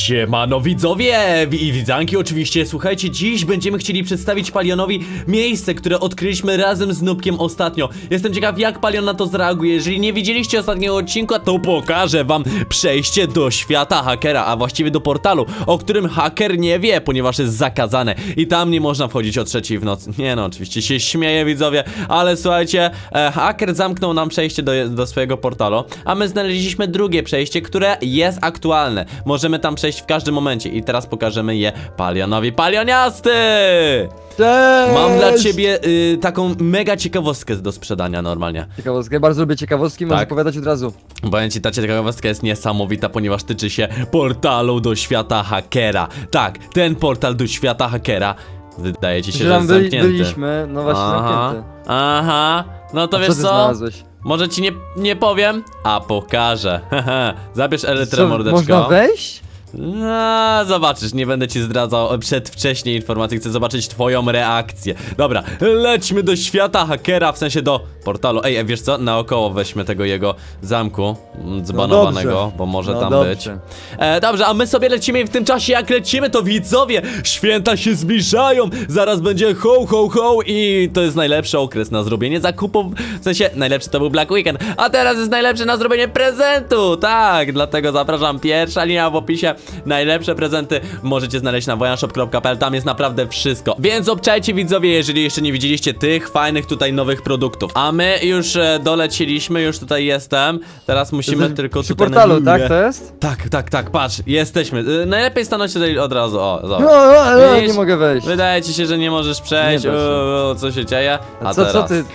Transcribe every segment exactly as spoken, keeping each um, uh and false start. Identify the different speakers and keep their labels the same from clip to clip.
Speaker 1: Siemano widzowie i widzanki oczywiście, słuchajcie, dziś będziemy chcieli przedstawić Palionowi miejsce, które odkryliśmy razem z Nubkiem ostatnio. Jestem ciekaw, jak Palion na to zareaguje. Jeżeli nie widzieliście ostatniego odcinka, to pokażę wam przejście do świata hakera, a właściwie do portalu, o którym haker nie wie, ponieważ jest zakazane i tam nie można wchodzić o trzeciej w nocy. Nie no, oczywiście się śmieję widzowie, ale słuchajcie, e, haker zamknął nam przejście do, do swojego portalu, a my znaleźliśmy drugie przejście, które jest aktualne. Możemy tam przejść w każdym momencie i teraz pokażemy je Palionowi. Palioniasty!
Speaker 2: Cześć!
Speaker 1: Mam dla ciebie y, taką mega ciekawostkę do sprzedania normalnie.
Speaker 2: Ciekawostkę, bardzo lubię ciekawostki, możesz
Speaker 1: Tak.
Speaker 2: opowiadać od razu.
Speaker 1: Powiem ci, ta ciekawostka jest niesamowita, ponieważ tyczy się portalu do świata hakera. Tak, ten portal do świata hakera wydaje ci się,
Speaker 2: Że
Speaker 1: że
Speaker 2: tam
Speaker 1: jest
Speaker 2: byli,
Speaker 1: zamknięty.
Speaker 2: byliśmy, no właśnie
Speaker 1: Aha,
Speaker 2: zamknięty.
Speaker 1: aha, no to
Speaker 2: A
Speaker 1: wiesz
Speaker 2: co ty
Speaker 1: co?
Speaker 2: znalazłeś?
Speaker 1: Może ci nie, nie powiem, a pokażę. Zabierz elytrę,
Speaker 2: Co,
Speaker 1: mordeczko.
Speaker 2: można wejść?
Speaker 1: No, zobaczysz, nie będę ci zdradzał przedwcześnie informacji, chcę zobaczyć twoją reakcję. Dobra, lećmy do świata hakera, w sensie do portalu. Ej, wiesz co, naokoło weźmy tego jego zamku mm, zbanowanego,
Speaker 2: dobrze.
Speaker 1: bo może
Speaker 2: No
Speaker 1: tam
Speaker 2: dobrze.
Speaker 1: być. E, dobrze, a my sobie lecimy i w tym czasie jak lecimy, to widzowie, święta się zbliżają, zaraz będzie ho, ho, ho i to jest najlepszy okres na zrobienie zakupów, w sensie najlepszy to był Black Weekend, a teraz jest najlepszy na zrobienie prezentu, tak, dlatego zapraszam, pierwsza linia w opisie, najlepsze prezenty możecie znaleźć na wojanshop kropka p l, tam jest naprawdę wszystko, więc obczajcie widzowie, jeżeli jeszcze nie widzieliście tych fajnych tutaj nowych produktów, a my już e, dolecieliśmy, już tutaj jestem, teraz musimy
Speaker 2: Jesteś
Speaker 1: tylko
Speaker 2: przy
Speaker 1: tutaj
Speaker 2: portalu,
Speaker 1: na
Speaker 2: tak to jest?
Speaker 1: tak, tak, tak, patrz, jesteśmy. Y, najlepiej stanąć tutaj od razu. O,
Speaker 2: No,
Speaker 1: zobacz.
Speaker 2: no, no,
Speaker 1: Widzisz?
Speaker 2: nie mogę wejść.
Speaker 1: Wydaje ci się, że nie możesz przejść.
Speaker 2: Nie da się.
Speaker 1: O, o, co się dzieje?
Speaker 2: A co, co ty?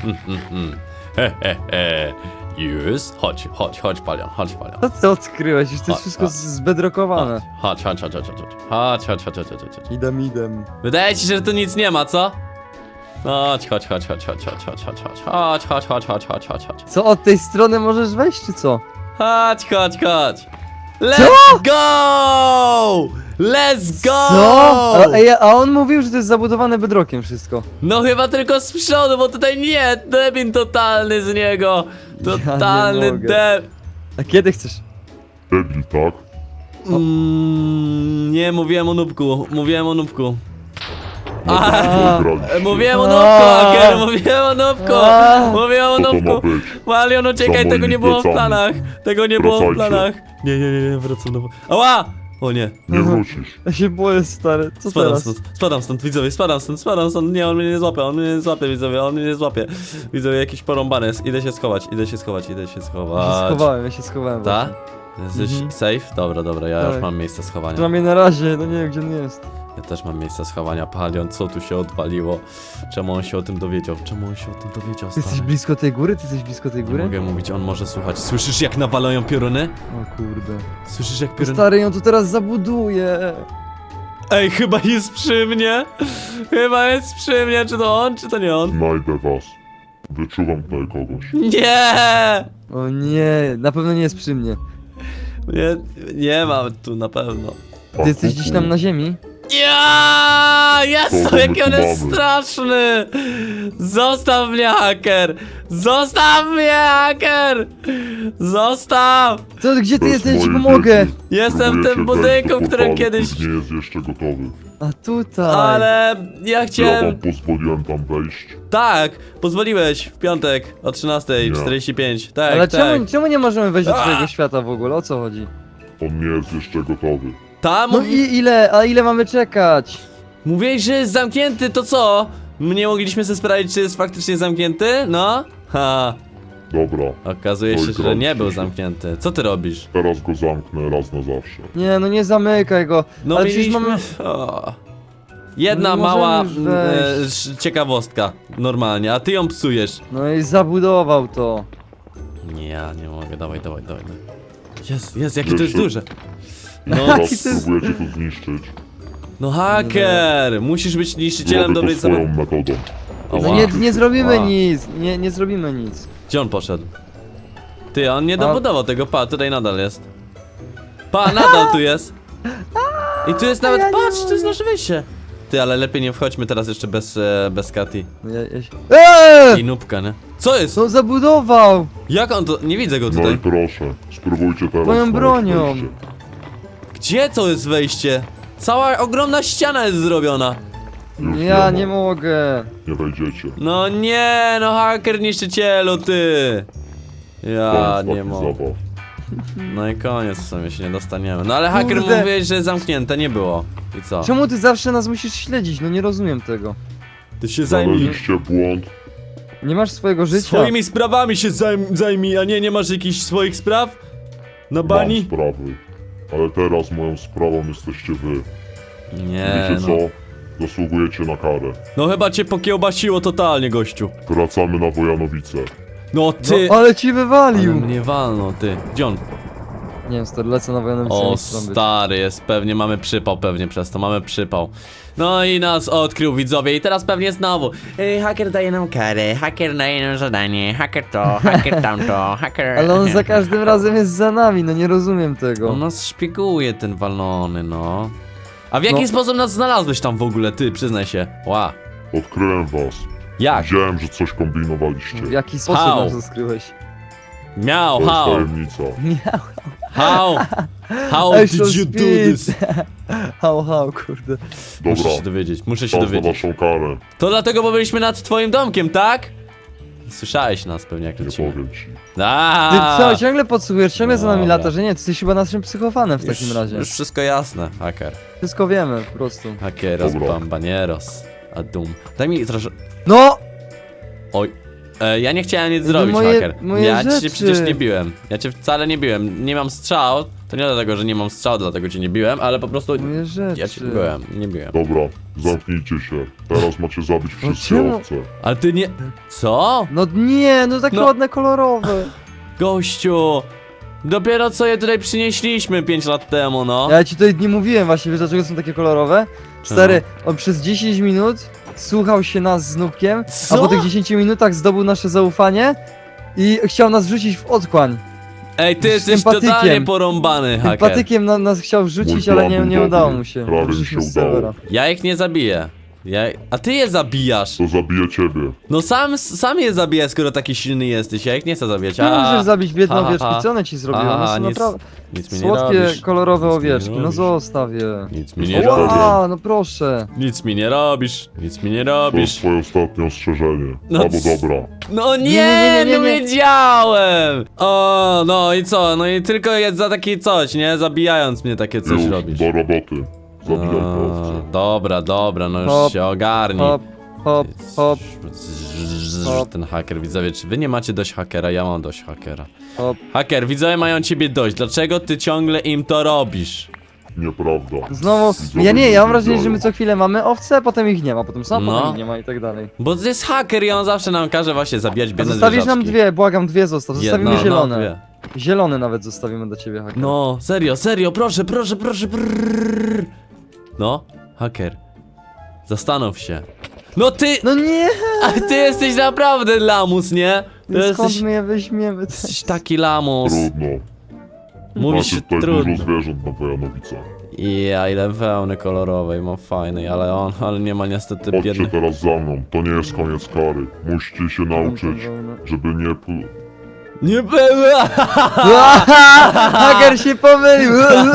Speaker 1: He, he, he. Już. Chodź, chodź, chodź, Palion, chodź, Palion.
Speaker 2: Co ty odkryłeś? Już to
Speaker 1: Chodź,
Speaker 2: jest wszystko
Speaker 1: chodź.
Speaker 2: zbedrokowane.
Speaker 1: Chodź, chodź, chodź, chodź, chodź, chodź, chodź, chodź, chodź, chodź, chodź, chodź.
Speaker 2: Idem, idem.
Speaker 1: Wydaje ci się, że tu nic nie ma, co? Chodź, chodź, chodź, chodź, chodź, chodź, chodź, chodź, chodź, chodź, chodź, chodź, chodź, chodź, chodź.
Speaker 2: Co, od tej strony możesz wejść, czy co?
Speaker 1: Chodź, chodź, chodź. Let's go! Let's go!
Speaker 2: Co? A, ej, a on mówił, że to jest zabudowane bedrokiem wszystko.
Speaker 1: No chyba tylko z przodu, bo tutaj nie, debin totalny z niego. Totalny
Speaker 2: Ja nie mogę.
Speaker 1: deb...
Speaker 2: A kiedy chcesz?
Speaker 3: Debil, tak?
Speaker 1: Mm, nie, mówiłem o nubku, mówiłem o nubku.
Speaker 3: No
Speaker 1: A,
Speaker 3: tak, wygraliście.
Speaker 1: Mówiłem o
Speaker 2: A.
Speaker 1: nubku, Haker, mówiłem o nubku,
Speaker 2: A.
Speaker 1: mówiłem o
Speaker 3: Co to ma
Speaker 1: nubku.
Speaker 3: być?
Speaker 1: Malion, uciekaj,
Speaker 3: Za
Speaker 1: tego nie
Speaker 3: moimi
Speaker 1: było w
Speaker 3: plecami.
Speaker 1: planach. Tego nie było w
Speaker 3: Wracajcie.
Speaker 1: planach. Nie, nie, nie, nie, wracam do... Ała! O nie.
Speaker 3: Nie wrócisz.
Speaker 2: Ja się boję, stary. Co
Speaker 1: Spadam
Speaker 2: teraz?
Speaker 1: stąd, spadam stąd, widzowie, spadam stąd, spadam stąd, nie, on mnie nie złapie, on mnie nie złapie, widzowie, on mnie nie złapie. Widzowie, jakiś porąbany jest, idę się schować, idę się schować, idę się
Speaker 2: Ja się
Speaker 1: schować.
Speaker 2: schowałem, ja się schowałem.
Speaker 1: Ta?
Speaker 2: właśnie.
Speaker 1: Jesteś
Speaker 2: Mhm.
Speaker 1: safe? Dobra, dobra, ja już
Speaker 2: Tak.
Speaker 1: mam miejsce schowania.
Speaker 2: Przynajmniej na razie, no nie wiem gdzie on jest.
Speaker 1: Ja też mam miejsce schowania. Palion, co tu się odwaliło? Czemu on się o tym dowiedział? Czemu on się o tym dowiedział,
Speaker 2: Ty jesteś
Speaker 1: stary?
Speaker 2: blisko tej góry? Ty jesteś blisko tej
Speaker 1: Nie
Speaker 2: góry?
Speaker 1: mogę mówić, on może słuchać. Słyszysz jak nawalają pioruny?
Speaker 2: O kurde.
Speaker 1: Słyszysz jak
Speaker 2: To
Speaker 1: pioruny...
Speaker 2: stary ją tu teraz zabuduje.
Speaker 1: Ej, chyba jest przy mnie! Chyba jest przy mnie, czy to on, czy to nie on?
Speaker 3: Znajdę was. Wyczuwam tutaj kogoś.
Speaker 1: Nie!
Speaker 2: O nie, na pewno nie jest przy mnie.
Speaker 1: Nie, nie mam tu na pewno.
Speaker 2: Ty jesteś gdzieś tam na ziemi?
Speaker 1: Ja! Jezu,
Speaker 3: To my
Speaker 1: jaki on
Speaker 3: tu
Speaker 1: jest
Speaker 3: mamy.
Speaker 1: straszny! Zostaw mnie, haker! Zostaw mnie, haker! Zostaw!
Speaker 2: Co, gdzie ty
Speaker 3: Bez
Speaker 2: jesteś? Ja ci
Speaker 3: mojej
Speaker 2: pomogę.
Speaker 3: wiedzy
Speaker 1: Jestem w
Speaker 3: próbujecie
Speaker 1: tym
Speaker 3: wejść
Speaker 1: budynku,
Speaker 3: do
Speaker 1: w którym
Speaker 3: portalu,
Speaker 1: kiedyś...
Speaker 3: który nie jest jeszcze gotowy.
Speaker 2: A tutaj.
Speaker 1: Ale ja
Speaker 3: Ja wam
Speaker 1: chciałem...
Speaker 3: pozwoliłem tam wejść.
Speaker 1: Tak, pozwoliłeś w piątek o trzynastej czterdzieści pięć. Tak,
Speaker 2: Ale
Speaker 1: tak.
Speaker 2: czemu, czemu nie możemy wejść do
Speaker 1: A!
Speaker 2: twojego świata w ogóle? O co chodzi?
Speaker 3: On nie jest jeszcze gotowy.
Speaker 1: Tam
Speaker 2: No
Speaker 1: mówi...
Speaker 2: i ile? A ile mamy czekać?
Speaker 1: mówiłeś, że jest zamknięty, to co? My nie mogliśmy sobie sprawdzić, czy jest faktycznie zamknięty? No? Ha,
Speaker 3: Dobra,
Speaker 1: okazuje się,
Speaker 3: Oj,
Speaker 1: że nie
Speaker 3: krąg
Speaker 1: był
Speaker 3: się.
Speaker 1: zamknięty. Co ty robisz?
Speaker 3: teraz go zamknę raz na zawsze.
Speaker 2: Nie, no nie zamykaj go.
Speaker 1: No
Speaker 2: Ale
Speaker 1: mieliśmy...
Speaker 2: przecież mamy...
Speaker 1: O. Jedna
Speaker 2: No nie
Speaker 1: mała
Speaker 2: możemy
Speaker 1: e,
Speaker 2: już
Speaker 1: sz- ciekawostka, normalnie, a ty ją psujesz.
Speaker 2: No i zabudował to.
Speaker 1: Nie, ja nie mogę, dawaj, dawaj, dawaj. Jest, jest, jakie to jest
Speaker 3: Jeszcze-
Speaker 1: duże. No,
Speaker 2: Jaki
Speaker 3: Teraz
Speaker 2: to jest-
Speaker 3: spróbujecie to zniszczyć.
Speaker 1: no haker, musisz być niszczycielem
Speaker 3: Zrobię
Speaker 1: dobrej
Speaker 3: to swoją
Speaker 1: zabawy.
Speaker 3: metodą.
Speaker 1: Ała.
Speaker 2: No nie, nie zrobimy
Speaker 1: Ała.
Speaker 2: nic. Nie, nie zrobimy nic.
Speaker 1: Gdzie on poszedł? Ty, on nie
Speaker 2: A-
Speaker 1: dobudował tego, pa, tutaj nadal jest. Pa, nadal tu jest. I tu jest nawet,
Speaker 2: ja nie
Speaker 1: patrz, to jest nasze wyjście. Ty, ale lepiej nie wchodźmy teraz jeszcze bez, e, bez Kati.
Speaker 2: No ja, ja się... Eee!
Speaker 1: I nubka, nie? Co jest?
Speaker 2: Co zabudował?
Speaker 1: Jak on to, nie widzę go
Speaker 3: No i
Speaker 1: tutaj.
Speaker 3: proszę, spróbujcie teraz
Speaker 2: Moją
Speaker 3: znaleźć
Speaker 2: bronią.
Speaker 3: wejście.
Speaker 1: Gdzie to jest wejście? Cała ogromna ściana jest zrobiona.
Speaker 3: Już
Speaker 2: Ja
Speaker 3: ma.
Speaker 2: nie mogę.
Speaker 3: Nie wejdziecie.
Speaker 1: No nie, no haker niszczycielu, ty. Ja
Speaker 3: Koniec
Speaker 1: nie
Speaker 3: takich
Speaker 1: mogę.
Speaker 3: zabaw.
Speaker 1: No i koniec w sumie się nie dostaniemy. No ale haker
Speaker 2: Kurde.
Speaker 1: mówiłeś, że zamknięte nie było. I co?
Speaker 2: Czemu ty zawsze nas musisz śledzić? No nie rozumiem tego.
Speaker 1: Ty się zajmij.
Speaker 3: Znaleźliście błąd.
Speaker 2: Nie masz swojego życia.
Speaker 1: Swoimi sprawami się zajm zajmij, a nie, nie masz jakichś swoich spraw? Na
Speaker 3: Mam
Speaker 1: bani?
Speaker 3: sprawy. Ale teraz moją sprawą jesteście wy.
Speaker 1: Nie,
Speaker 3: Wiecie
Speaker 1: no.
Speaker 3: co? Zasługujecie na karę.
Speaker 1: No chyba cię pokiełbasiło totalnie, gościu.
Speaker 3: Wracamy na Wojanowice.
Speaker 1: No ty.
Speaker 2: No, ale ci
Speaker 1: Ale
Speaker 2: wywalił.
Speaker 1: mnie walno, ty. Gdzie on?
Speaker 2: Nie wiem, stary, lecę na wojenną
Speaker 1: O,
Speaker 2: stary.
Speaker 1: stary, jest pewnie, mamy przypał pewnie przez to, mamy przypał. No i nas odkrył widzowie i teraz pewnie znowu. Ej, haker daje nam karę, haker daje nam zadanie, haker to, haker tamto, haker...
Speaker 2: Ale on za każdym razem jest za nami, no nie rozumiem tego.
Speaker 1: On nas szpieguje, ten walony, no. A w jaki
Speaker 2: No.
Speaker 1: sposób nas znalazłeś tam w ogóle, ty, przyznaj się. Ła.
Speaker 3: Odkryłem was.
Speaker 1: Jak?
Speaker 3: Widziałem, że coś kombinowaliście.
Speaker 2: W jaki sposób
Speaker 1: How?
Speaker 2: nas skryłeś?
Speaker 1: Miał,
Speaker 3: To jest
Speaker 1: how,
Speaker 3: tajemnica.
Speaker 2: Miał.
Speaker 1: how, how
Speaker 2: Ej,
Speaker 1: did
Speaker 2: so
Speaker 1: you do
Speaker 2: speed.
Speaker 1: this?
Speaker 2: Hał, hał, kurde.
Speaker 1: Muszę
Speaker 3: Dobra,
Speaker 1: się dowiedzieć, muszę się
Speaker 3: czas na
Speaker 1: dowiedzieć.
Speaker 3: waszą karę.
Speaker 1: To dlatego, bo byliśmy nad twoim domkiem, tak? Słyszałeś nas pewnie jak
Speaker 3: Nie
Speaker 1: lecimy.
Speaker 3: powiem ci.
Speaker 2: Ty
Speaker 1: Aaaa!
Speaker 2: co, ciągle podsłuchujesz, ciągle za nami
Speaker 1: Dobra.
Speaker 2: lata, że nie, ty jesteś chyba naszym psychofanem w takim
Speaker 1: Już-
Speaker 2: razie.
Speaker 1: Już wszystko jasne, haker.
Speaker 2: Wszystko wiemy, po prostu.
Speaker 1: Hakeros,
Speaker 3: Dobra.
Speaker 1: bambanieros, a dum. Daj mi troszkę...
Speaker 2: No!
Speaker 1: Oj. E, ja nie chciałem nic zrobić,
Speaker 2: moje-
Speaker 1: haker.
Speaker 2: moje
Speaker 1: ja cię
Speaker 2: rzeczy.
Speaker 1: przecież nie biłem. Ja cię wcale nie biłem. Nie mam strzał. To nie dlatego, że nie mam strzał, dlatego cię nie biłem, ale po prostu...
Speaker 2: Moje rzeczy.
Speaker 1: Ja cię byłem, nie biłem.
Speaker 3: Dobra, zamknijcie się. Teraz macie zabić
Speaker 2: No
Speaker 3: wszystkie
Speaker 2: czemu?
Speaker 3: owce.
Speaker 1: Ale ty nie... Co?
Speaker 2: No nie, no takie
Speaker 1: No.
Speaker 2: ładne, kolorowe.
Speaker 1: Gościu! Dopiero co je tutaj przynieśliśmy pięć lat temu, no.
Speaker 2: Ja ci tutaj nie mówiłem właśnie, wiesz dlaczego są takie kolorowe? Stary, on przez dziesięć minut słuchał się nas z Nubkiem,
Speaker 1: Co?
Speaker 2: a po tych dziesięciu minutach zdobył nasze zaufanie i chciał nas wrzucić w otchłań.
Speaker 1: Ej, ty
Speaker 2: z
Speaker 1: jesteś
Speaker 2: sympatykiem.
Speaker 1: totalnie porąbany,
Speaker 2: Tym
Speaker 1: haker.
Speaker 2: patykiem na, nas chciał wrzucić,
Speaker 3: Mój
Speaker 2: ale
Speaker 3: plan
Speaker 2: nie,
Speaker 3: był
Speaker 2: nie
Speaker 3: dobry.
Speaker 2: udało mu się.
Speaker 3: Prawie mi
Speaker 2: Wyszliśmy
Speaker 3: się
Speaker 2: z
Speaker 3: udało.
Speaker 2: serwera.
Speaker 1: Ja ich nie zabiję. Ja... A ty je zabijasz.
Speaker 3: To zabije ciebie.
Speaker 1: No sam, sam je zabiję, skoro taki silny jesteś. Ja ich nie chcę zabijać.
Speaker 2: Nie
Speaker 1: A,
Speaker 2: możesz zabić biedne
Speaker 1: ha, ha,
Speaker 2: owieczki,
Speaker 1: ha.
Speaker 2: co one ci zrobiły? One
Speaker 1: Aha,
Speaker 2: są
Speaker 1: nic-
Speaker 2: naprawdę
Speaker 1: Nic mi nie
Speaker 2: słodkie,
Speaker 1: robisz.
Speaker 2: kolorowe
Speaker 1: Nic mi nie
Speaker 2: owieczki, no
Speaker 1: robisz.
Speaker 2: zostaw je.
Speaker 1: Nic mi
Speaker 3: Nie
Speaker 1: nie
Speaker 3: robisz.
Speaker 1: robisz.
Speaker 2: Ła, no proszę.
Speaker 1: Nic mi nie robisz. Nic mi nie
Speaker 3: To jest
Speaker 1: robisz.
Speaker 3: twoje ostatnie ostrzeżenie.
Speaker 1: No
Speaker 3: Albo
Speaker 1: c-
Speaker 3: dobra.
Speaker 1: No nie,
Speaker 2: Nie, nie, nie, nie,
Speaker 1: no
Speaker 2: nie.
Speaker 1: wiedziałem. O, no i co? No i tylko jest za takie coś, nie? Zabijając mnie takie coś
Speaker 3: Już,
Speaker 1: robisz.
Speaker 3: do roboty. Zabijaj te
Speaker 1: A,
Speaker 3: owce.
Speaker 1: dobra, dobra, no już
Speaker 2: Hop,
Speaker 1: się ogarnij.
Speaker 2: Hop, hop, hop, hop.
Speaker 1: Ten haker, widzowie, czy wy nie macie dość hakera? Ja mam dość hakera.
Speaker 2: hop.
Speaker 1: Haker, widzowie mają ciebie dość. Dlaczego ty ciągle im to robisz?
Speaker 3: Nieprawda.
Speaker 2: Znowu,
Speaker 3: Widzowie
Speaker 2: ja nie, ja mam
Speaker 3: nie
Speaker 2: wrażenie, że
Speaker 3: biorą.
Speaker 2: my co chwilę mamy owce, potem ich nie ma, potem są,
Speaker 1: No.
Speaker 2: potem ich nie ma i tak dalej.
Speaker 1: Bo to jest haker i on zawsze nam każe właśnie zabijać
Speaker 2: A
Speaker 1: biedne
Speaker 2: zostawisz nam
Speaker 1: zwierzaczki.
Speaker 2: dwie, błagam, dwie zostaw, zostawimy
Speaker 1: Jedno,
Speaker 2: zielone.
Speaker 1: No, dwie.
Speaker 2: Zielone nawet zostawimy dla ciebie, haker.
Speaker 1: No, serio, serio, proszę, proszę, proszę, brrr. No, haker. Zastanów się. No ty,
Speaker 2: No nie!
Speaker 1: a ty jesteś naprawdę lamus, nie? Ty
Speaker 2: Skąd
Speaker 1: jesteś,
Speaker 2: my je weźmiemy?
Speaker 1: jesteś taki lamus.
Speaker 3: Trudno.
Speaker 1: Mówisz
Speaker 3: Macie tutaj
Speaker 1: trudno.
Speaker 3: dużo zwierząt na Wojanowicach.
Speaker 1: Ja, ile wełny kolorowej mam fajnej, ale on, ale nie ma niestety
Speaker 3: Chodźcie
Speaker 1: biedny.
Speaker 3: teraz za mną. To nie jest koniec kary. Musicie się nauczyć, żeby nie... pl-
Speaker 1: Nie była!
Speaker 2: Haker się pomylił!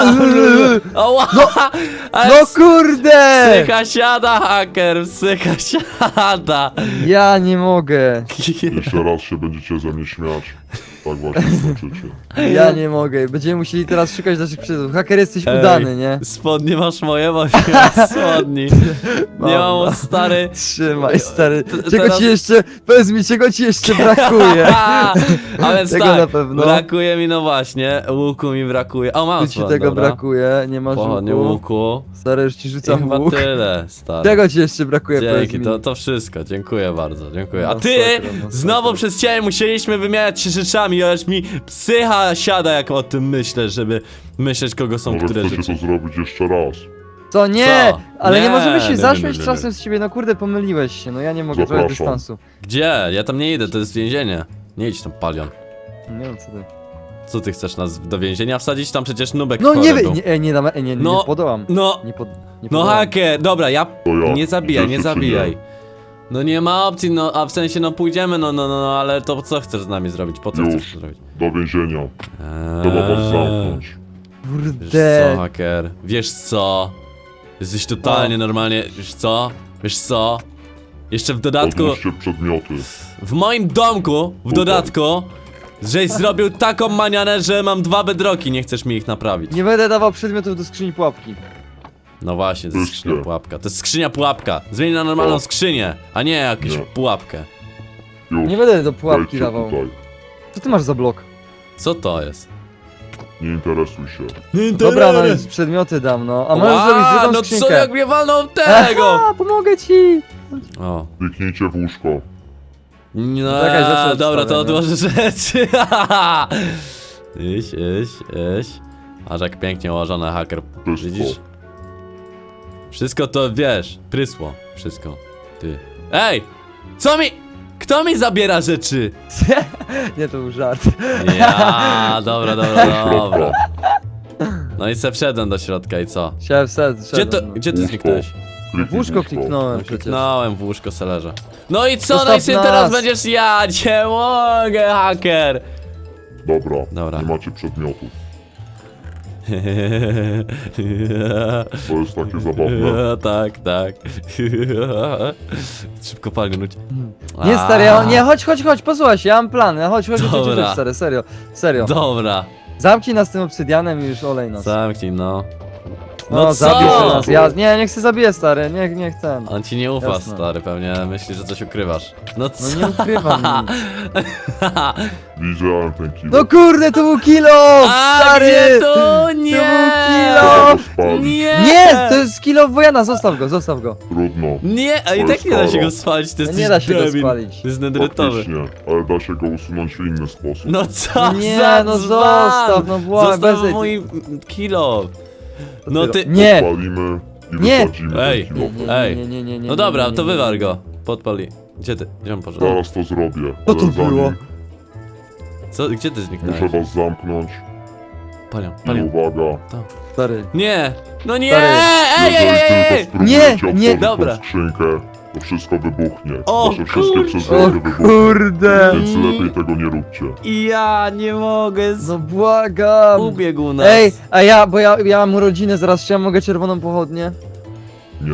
Speaker 1: Oła! Ale
Speaker 2: No kurde!
Speaker 1: psycha siada, haker, psycha siada!
Speaker 2: Ja nie mogę.
Speaker 3: Jeszcze raz się będziecie ze mnie śmiać. Tak właśnie skończycie.
Speaker 2: Ja nie mogę. Będziemy musieli teraz szukać naszych przyjaciół. Haker, jesteś
Speaker 1: Ej.
Speaker 2: udany, nie?
Speaker 1: Spodnie masz moje, bo nie mam spodni. Nie
Speaker 2: Mam,
Speaker 1: mam, stary.
Speaker 2: Trzymaj, stary.
Speaker 1: T-
Speaker 2: Czego
Speaker 1: teraz-
Speaker 2: ci jeszcze, powiedz mi, czego ci jeszcze brakuje?
Speaker 1: A więc
Speaker 2: Tego
Speaker 1: tak,
Speaker 2: na pewno.
Speaker 1: brakuje mi, no właśnie, łuku mi brakuje. O, mam
Speaker 2: Tu ci
Speaker 1: swój,
Speaker 2: tego
Speaker 1: dobra.
Speaker 2: brakuje, nie masz
Speaker 1: Pochodnie
Speaker 2: łuku.
Speaker 1: łuku.
Speaker 2: Stary, już ci
Speaker 1: I
Speaker 2: rzucam
Speaker 1: chyba
Speaker 2: łuk.
Speaker 1: tyle, stary.
Speaker 2: Czego ci jeszcze brakuje, powiedz
Speaker 1: Dzięki,
Speaker 2: mi?
Speaker 1: to, to wszystko, dziękuję bardzo, dziękuję. A
Speaker 2: No,
Speaker 1: ty,
Speaker 2: sakra, no,
Speaker 1: znowu
Speaker 2: sakra.
Speaker 1: przez ciebie musieliśmy wymieniać się rzeczami, aż mi psycha siada, jak o tym myślę, żeby myśleć, kogo są
Speaker 3: Może
Speaker 1: które
Speaker 3: chcecie
Speaker 1: rzeczy.
Speaker 3: to zrobić jeszcze raz.
Speaker 2: Co? Nie!
Speaker 1: Co?
Speaker 2: Ale nie,
Speaker 1: Nie,
Speaker 2: możemy
Speaker 1: nie,
Speaker 2: się
Speaker 1: nie,
Speaker 2: zaśmiać
Speaker 1: nie, nie,
Speaker 2: czasem z ciebie, no kurde, pomyliłeś się, no ja nie mogę, trochę
Speaker 3: Zapraszam.
Speaker 2: dystansu.
Speaker 1: Gdzie? Ja tam nie idę, to jest więzienie. Nie idź tam, Palion.
Speaker 2: Nie wiem co ty.
Speaker 1: Co ty chcesz nas do więzienia wsadzić? Tam przecież nubek
Speaker 2: No
Speaker 1: chory
Speaker 2: nie, wy-
Speaker 1: był.
Speaker 2: nie, e, nie dam, e, nie, nie,
Speaker 1: No,
Speaker 2: nie podołam.
Speaker 1: No,
Speaker 2: Nie, pod, nie
Speaker 1: no
Speaker 2: podołam.
Speaker 1: haker, dobra, ja...
Speaker 3: To ja.
Speaker 1: Nie zabijaj, nie
Speaker 3: Idziecie czy
Speaker 1: zabijaj. No nie ma opcji, no a w sensie no pójdziemy, no no no, no ale to co chcesz z nami zrobić? Po co
Speaker 3: Już.
Speaker 1: chcesz to zrobić?
Speaker 3: Do więzienia. Trzeba was
Speaker 1: Eee,
Speaker 3: zamknąć.
Speaker 1: Wiesz
Speaker 2: Kurde.
Speaker 1: co, haker? Wiesz co? Jesteś totalnie normalnie, wiesz co? Wiesz co? Jeszcze w dodatku,
Speaker 3: Odłóżcie przedmioty.
Speaker 1: w moim domku, w dodatku, żeś zrobił taką manianę, że mam dwa bedroki, nie chcesz mi ich naprawić.
Speaker 2: Nie będę dawał przedmiotów do skrzyni pułapki.
Speaker 1: No właśnie, to jest
Speaker 3: Puśćcie.
Speaker 1: skrzynia pułapka. To jest skrzynia pułapka. Zmień na normalną
Speaker 3: O.
Speaker 1: skrzynię, a nie jakąś
Speaker 3: Nie.
Speaker 1: pułapkę.
Speaker 3: Już,
Speaker 2: Nie będę do pułapki
Speaker 3: wejdźcie
Speaker 2: dawał.
Speaker 3: tutaj.
Speaker 2: Co ty masz za blok?
Speaker 1: Co to jest?
Speaker 3: Nie interesuj się.
Speaker 2: Dobra, no więc przedmioty dam, no. A możesz
Speaker 1: Ła,
Speaker 2: zrobić drugą
Speaker 1: no
Speaker 2: skrzynkę.
Speaker 1: co, jak mnie walnął tego?
Speaker 2: A, pomogę ci!
Speaker 1: O.
Speaker 3: Kliknijcie w łóżko.
Speaker 1: No,
Speaker 2: Czekaj, rzeczy
Speaker 1: dobra, to
Speaker 2: odstawię,
Speaker 1: odłożę rzeczy. Iś, iś, iś. Aż jak pięknie ułożone, haker.
Speaker 3: Wszystko.
Speaker 1: Widzisz? Wszystko to, wiesz, prysło. Wszystko. Ty. Ej! Co mi... Kto mi zabiera rzeczy?
Speaker 2: Nie, to był żart.
Speaker 1: Ja, dobra, dobra,
Speaker 3: Środka.
Speaker 1: dobra. No i se wszedłem do środka i co?
Speaker 2: Chciałem wsad,
Speaker 1: Gdzie to, gdzie ty
Speaker 3: Łóżko.
Speaker 1: zniknąłeś?
Speaker 3: Kliknij
Speaker 2: W łóżko kliknąłem przecież.
Speaker 1: Kliknąłem w łóżko selerze. No i co?
Speaker 2: Zostaw
Speaker 1: No i sobie
Speaker 2: nas.
Speaker 1: teraz będziesz ja, cię mogę, haker!
Speaker 3: Dobra,
Speaker 1: Dobra.
Speaker 3: nie macie przedmiotów. To jest takie zabawne.
Speaker 1: Tak, tak. Szybko palnąć.
Speaker 2: Nie, stary, ja, nie, chodź, chodź, chodź, posłuchaj się, ja mam plan. Chodź, chodź, chodź, chodź,
Speaker 1: Dobra.
Speaker 2: chodź, stary, serio, serio.
Speaker 1: Dobra,
Speaker 2: Zamknij nas tym obsydianem i już olej nas.
Speaker 1: zamknij no.
Speaker 2: No,
Speaker 1: No
Speaker 2: zabij
Speaker 1: co?
Speaker 2: nas, ja, nie, nie chcę zabiję, stary, nie, nie chcę.
Speaker 1: On ci nie ufa,
Speaker 2: Jasne.
Speaker 1: stary, pewnie myśli, że coś ukrywasz. No co?
Speaker 2: No nie ukrywam nic.
Speaker 3: Widziałem ten kilo.
Speaker 2: No kurde, to był kilo,
Speaker 1: A,
Speaker 2: stary!
Speaker 1: gdzie to? Nie!
Speaker 2: kilo!
Speaker 3: Spalić.
Speaker 1: Nie!
Speaker 2: Nie, to jest kilo Wojana, zostaw go, zostaw go.
Speaker 3: Trudno.
Speaker 1: Nie, a i
Speaker 3: To
Speaker 1: tak
Speaker 3: jest
Speaker 1: nie da się
Speaker 3: karo.
Speaker 1: go spalić, to
Speaker 2: No
Speaker 1: jest
Speaker 2: nie da się go
Speaker 1: debil.
Speaker 2: spalić.
Speaker 1: To jest nedrytowy.
Speaker 3: Faktycznie, ale da się go usunąć w inny sposób.
Speaker 1: No co
Speaker 2: Nie,
Speaker 1: za
Speaker 2: no
Speaker 1: dzban!
Speaker 2: zostaw, no błagam,
Speaker 1: Zostaw
Speaker 2: bez-
Speaker 1: mój kilo. No ty...
Speaker 2: Nie,
Speaker 3: Palimy i
Speaker 2: Nie.
Speaker 3: wysadzimy
Speaker 1: Ej.
Speaker 3: ten
Speaker 2: nie,
Speaker 3: kilo.
Speaker 2: nie,
Speaker 1: Ej.
Speaker 2: nie, nie, nie, nie.
Speaker 1: No dobra,
Speaker 2: nie, nie,
Speaker 1: to
Speaker 2: nie,
Speaker 1: wywal
Speaker 2: nie.
Speaker 1: go. Podpali. Gdzie ty? Gdzie on poszedł?
Speaker 3: Zaraz to zrobię.
Speaker 2: Co to
Speaker 3: ale zanim
Speaker 2: było?
Speaker 1: Co? Gdzie ty zniknąłeś?
Speaker 3: Muszę was zamknąć.
Speaker 1: Palion,
Speaker 3: I
Speaker 1: palion.
Speaker 3: uwaga.
Speaker 2: Stary.
Speaker 1: Nie! No nie!
Speaker 2: Stary.
Speaker 1: Ej, ej,
Speaker 3: Jeżeli
Speaker 1: ej, ej!
Speaker 3: tylko
Speaker 2: Nie,
Speaker 3: spróbujecie
Speaker 2: nie.
Speaker 3: otworzyć
Speaker 1: Dobra.
Speaker 3: tą skrzynkę, to wszystko wybuchnie.
Speaker 1: O,
Speaker 3: Wasze wszystkie
Speaker 1: kurczę.
Speaker 2: O
Speaker 3: przedmioty wybuchną.
Speaker 2: kurde.
Speaker 3: Więc lepiej tego nie róbcie.
Speaker 1: Ja nie mogę. Z...
Speaker 2: No błagam.
Speaker 1: Ubiegł nas.
Speaker 2: Ej, a ja, bo ja, ja mam urodziny zaraz, czy ja mogę czerwoną pochodnię?
Speaker 3: Nie.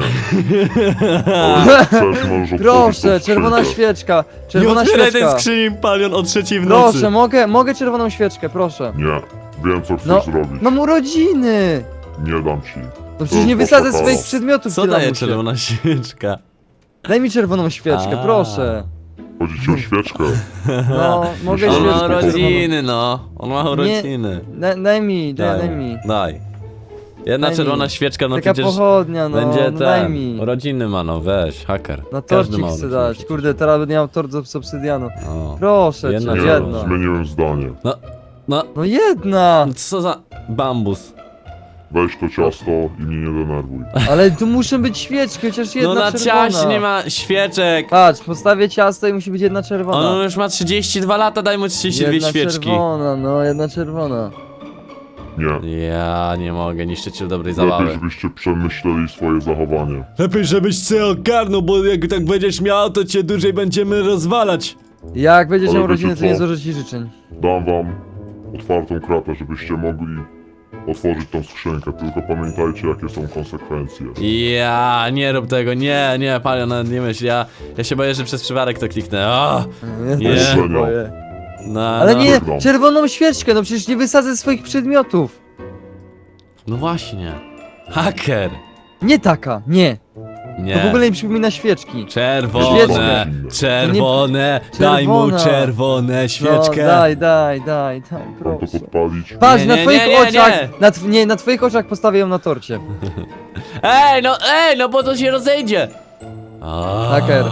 Speaker 3: Ale chcesz, możesz otworzyć
Speaker 2: Proszę,
Speaker 3: tą
Speaker 2: czerwona
Speaker 3: skrzynkę.
Speaker 2: świeczka,
Speaker 1: Nie
Speaker 2: czerwona
Speaker 1: otwieraj tej
Speaker 2: świeczka.
Speaker 1: skrzyni, Palion, o trzeciej w nocy.
Speaker 2: Proszę, mogę, mogę czerwoną świeczkę, proszę.
Speaker 3: Nie. Wiem, co chcesz
Speaker 2: No,
Speaker 3: zrobić.
Speaker 2: Mam urodziny.
Speaker 3: Nie dam ci.
Speaker 2: No przecież nie
Speaker 3: To
Speaker 2: wysadzę
Speaker 3: poczekało.
Speaker 2: swoich przedmiotów,
Speaker 1: Co
Speaker 2: tyle
Speaker 1: daje
Speaker 2: muszę.
Speaker 1: czerwona świeczka?
Speaker 2: Daj mi czerwoną świeczkę,
Speaker 1: A.
Speaker 2: proszę.
Speaker 3: Chodzi ci o świeczkę.
Speaker 2: No, mogę
Speaker 3: Ale
Speaker 1: On
Speaker 2: świeczkę
Speaker 1: ma
Speaker 3: spokojnie.
Speaker 2: czerwoną.
Speaker 1: urodziny, no. On ma urodziny.
Speaker 2: Daj, daj mi, daj, daj mi.
Speaker 1: Daj. Jedna
Speaker 2: Daj mi.
Speaker 1: czerwona świeczka, no
Speaker 2: Taka
Speaker 1: przecież
Speaker 2: pochodnia, no,
Speaker 1: będzie
Speaker 2: no daj
Speaker 1: ten.
Speaker 2: mi.
Speaker 1: Urodziny ma, no weź, haker.
Speaker 2: Na
Speaker 1: Każdy
Speaker 2: torcik
Speaker 1: ma
Speaker 2: chcę
Speaker 1: urodziny
Speaker 2: dać.
Speaker 1: przecież.
Speaker 2: Kurde, teraz będę miał tort z obsydianu.
Speaker 1: O.
Speaker 2: Proszę
Speaker 1: Jedna
Speaker 2: cię,
Speaker 3: Nie,
Speaker 1: czerwona.
Speaker 2: jedna.
Speaker 3: zmieniłem zdanie.
Speaker 1: No, no,
Speaker 2: No jedna!
Speaker 1: co za bambus.
Speaker 3: Weź to ciasto i mnie nie denerwuj.
Speaker 2: Ale tu muszą być świeczki, chociaż jedna
Speaker 1: No na
Speaker 2: czerwona.
Speaker 1: ciaście nie ma świeczek.
Speaker 2: Patrz, postawię ciasto i musi być jedna czerwona.
Speaker 1: On już ma trzydzieści dwa lata, daj mu trzydzieści dwie
Speaker 2: jedna
Speaker 1: świeczki.
Speaker 2: czerwona, no, jedna czerwona.
Speaker 3: Nie.
Speaker 1: Ja nie mogę, niszczyciel dobrej
Speaker 3: Lepiej,
Speaker 1: zabawy.
Speaker 3: żebyście przemyśleli swoje zachowanie.
Speaker 1: Lepiej, żebyś się ogarnął, bo jak tak będziesz miał, to cię dłużej będziemy rozwalać.
Speaker 2: Jak będziesz
Speaker 3: Ale
Speaker 2: miał
Speaker 3: wiecie
Speaker 2: rodzinę, to nie
Speaker 3: co?
Speaker 2: złożę ci życzeń.
Speaker 3: Dam wam otwartą kratę, żebyście mogli otworzyć tą skrzynkę. Tylko pamiętajcie, jakie są konsekwencje.
Speaker 1: Ja nie rób tego, nie, nie, Palion, nawet nie myśl, ja, ja się boję, że przez przypadek to kliknę. O,
Speaker 2: Ja
Speaker 1: Nie.
Speaker 2: też się boję.
Speaker 1: no,
Speaker 2: Ale
Speaker 1: no.
Speaker 2: nie,
Speaker 3: Wygram.
Speaker 2: czerwoną świeczkę, no przecież nie wysadzę swoich przedmiotów.
Speaker 1: No właśnie. Haker.
Speaker 2: Nie taka, nie.
Speaker 1: Nie.
Speaker 2: To w ogóle nie przypomina świeczki.
Speaker 1: Czerwone,
Speaker 2: Świeczkę.
Speaker 1: czerwone, daj mu
Speaker 2: Czerwona.
Speaker 1: czerwone
Speaker 2: No,
Speaker 1: świeczkę.
Speaker 2: daj, daj, daj, daj,
Speaker 3: Mam to
Speaker 2: proszę.
Speaker 3: podpalić?
Speaker 2: Patrz,
Speaker 1: Nie,
Speaker 2: na
Speaker 1: nie,
Speaker 2: twoich
Speaker 1: nie, nie,
Speaker 2: oczach,
Speaker 1: nie.
Speaker 2: Na, tw nie, na twoich oczach postawię ją na torcie.
Speaker 1: Ej, no, ej, no bo to się rozejdzie. A.
Speaker 2: Haker.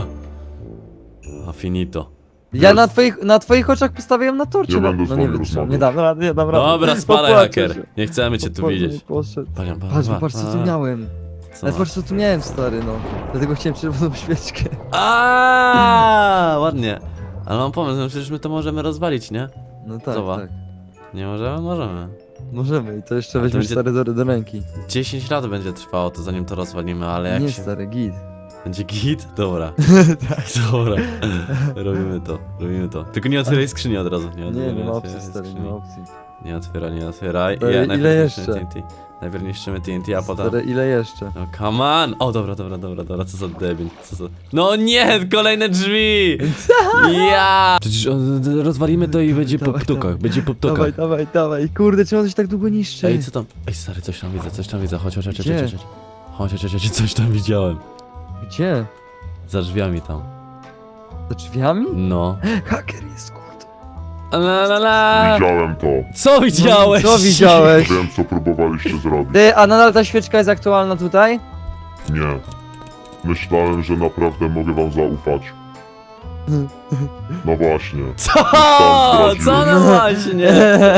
Speaker 1: A finito.
Speaker 2: Ja
Speaker 3: Jest.
Speaker 2: na twoich, na twoich oczach postawię ją na torcie.
Speaker 3: Nie
Speaker 2: no,
Speaker 3: będę z
Speaker 2: no nie
Speaker 3: wami
Speaker 2: wytrzymam,
Speaker 3: rozmawiać.
Speaker 2: nie dam rady, nie dam rady.
Speaker 1: Dobra, spadaj,
Speaker 2: Popłaczę
Speaker 1: haker.
Speaker 2: się.
Speaker 1: Nie chcemy cię tu
Speaker 2: Popłaczę,
Speaker 1: widzieć.
Speaker 2: poszedł.
Speaker 1: Palion,
Speaker 2: Patrz,
Speaker 1: pa-
Speaker 2: patrz co tu
Speaker 1: a.
Speaker 2: miałem.
Speaker 1: Co
Speaker 2: Ale
Speaker 1: masz?
Speaker 2: patrz co tu miałem, stary, no. Dlatego chciałem czerwoną świeczkę.
Speaker 1: A, ładnie. Ale mam pomysł, no przecież my to możemy rozwalić, nie?
Speaker 2: No tak,
Speaker 1: Zobacz.
Speaker 2: tak.
Speaker 1: Nie możemy? Możemy.
Speaker 2: Możemy i to jeszcze
Speaker 1: A to
Speaker 2: weźmiesz
Speaker 1: będzie-
Speaker 2: stary do, do ręki.
Speaker 1: dziesięć lat będzie trwało to zanim to rozwalimy, ale jak
Speaker 2: Nie
Speaker 1: się...
Speaker 2: stary, git.
Speaker 1: Będzie git? Dobra. Dobra. Robimy to, robimy to. Tylko nie otwieraj skrzyni od razu. Nie,
Speaker 2: Nie,
Speaker 1: otwieraj,
Speaker 2: nie ma
Speaker 1: otwieraj
Speaker 2: opcji stary, nie
Speaker 1: skrzyni.
Speaker 2: ma opcji.
Speaker 1: Nie otwieraj, nie otwieraj.
Speaker 2: Stary,
Speaker 1: Ja,
Speaker 2: ile
Speaker 1: najpierw niszczymy
Speaker 2: jeszcze?
Speaker 1: T N T. Najpierw niszczymy T N T, a potem...
Speaker 2: Stary, ile jeszcze?
Speaker 1: No come on! O, dobra, dobra, dobra, dobra, co za debil, co za... No nie, kolejne drzwi! Ja! Przecież o, d- rozwalimy to i będzie po
Speaker 2: Dawaj,
Speaker 1: ptukach,
Speaker 2: dawaj.
Speaker 1: będzie po
Speaker 2: Dawaj,
Speaker 1: ptukach.
Speaker 2: dawaj, dawaj. Kurde, czemu coś tak długo niszczy?
Speaker 1: Ej, co tam? Ej, stary, coś tam widzę, coś tam widzę, chodź, chodź, chodź, chodź,
Speaker 2: Gdzie?
Speaker 1: chodź, chodź. Chodź, chodź, chodź, coś tam widziałem.
Speaker 2: Gdzie?
Speaker 1: Za drzwiami tam.
Speaker 2: Za drzwiami?
Speaker 1: No.
Speaker 2: Haker jest, kurde.
Speaker 1: La la la!
Speaker 3: Widziałem to.
Speaker 1: Co widziałeś?
Speaker 2: Co widziałeś?
Speaker 3: Wiem, co próbowaliście zrobić.
Speaker 2: Ty, a nadal ta świeczka jest aktualna tutaj?
Speaker 3: Nie. Myślałem, że naprawdę mogę wam zaufać. No właśnie.
Speaker 1: Co?
Speaker 3: zdradziłem.
Speaker 1: Co no właśnie?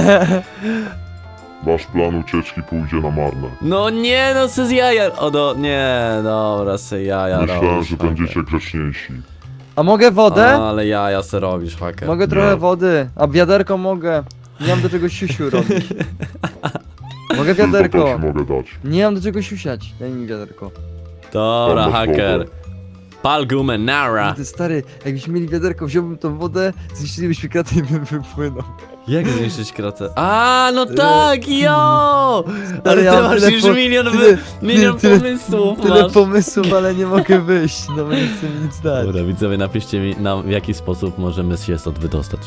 Speaker 3: Wasz plan ucieczki pójdzie na marne.
Speaker 1: No nie, no co z jaja. O, do, nie, dobra, se jaja
Speaker 3: Myślałem,
Speaker 1: robisz,
Speaker 3: że
Speaker 1: haker.
Speaker 3: będziecie grzeczniejsi.
Speaker 2: A mogę wodę?
Speaker 1: O, ale jaja se robisz, haker.
Speaker 2: Mogę
Speaker 3: Nie.
Speaker 2: trochę wody. A wiaderko mogę. Nie mam do czego siusiu robić. Mogę
Speaker 3: Tylko to
Speaker 2: wiaderko.
Speaker 3: ci mogę dać.
Speaker 2: Nie mam do czego siusiać. Daj mi wiaderko.
Speaker 1: Dobra,
Speaker 3: Masz
Speaker 1: haker.
Speaker 3: wodę.
Speaker 1: Pal gumę, nara.
Speaker 2: Ty stary, jakbyśmy mieli wiaderko, wziąłbym tą wodę, zniszczylibyśmy kratę i bym wypłynął.
Speaker 1: Jak zniszczyć kratę? A, no tak, jo! Ale
Speaker 2: ja
Speaker 1: ty
Speaker 2: mam
Speaker 1: masz
Speaker 2: tyle
Speaker 1: już
Speaker 2: po-
Speaker 1: milion,
Speaker 2: tyle-
Speaker 1: wy, milion
Speaker 2: tyle-
Speaker 1: pomysłów
Speaker 2: Tyle
Speaker 1: masz.
Speaker 2: pomysłów, ale nie mogę wyjść. No bo nie chcę mi nic dać.
Speaker 1: Dobra, widzowie, napiszcie mi, nam, w jaki sposób możemy się stąd wydostać.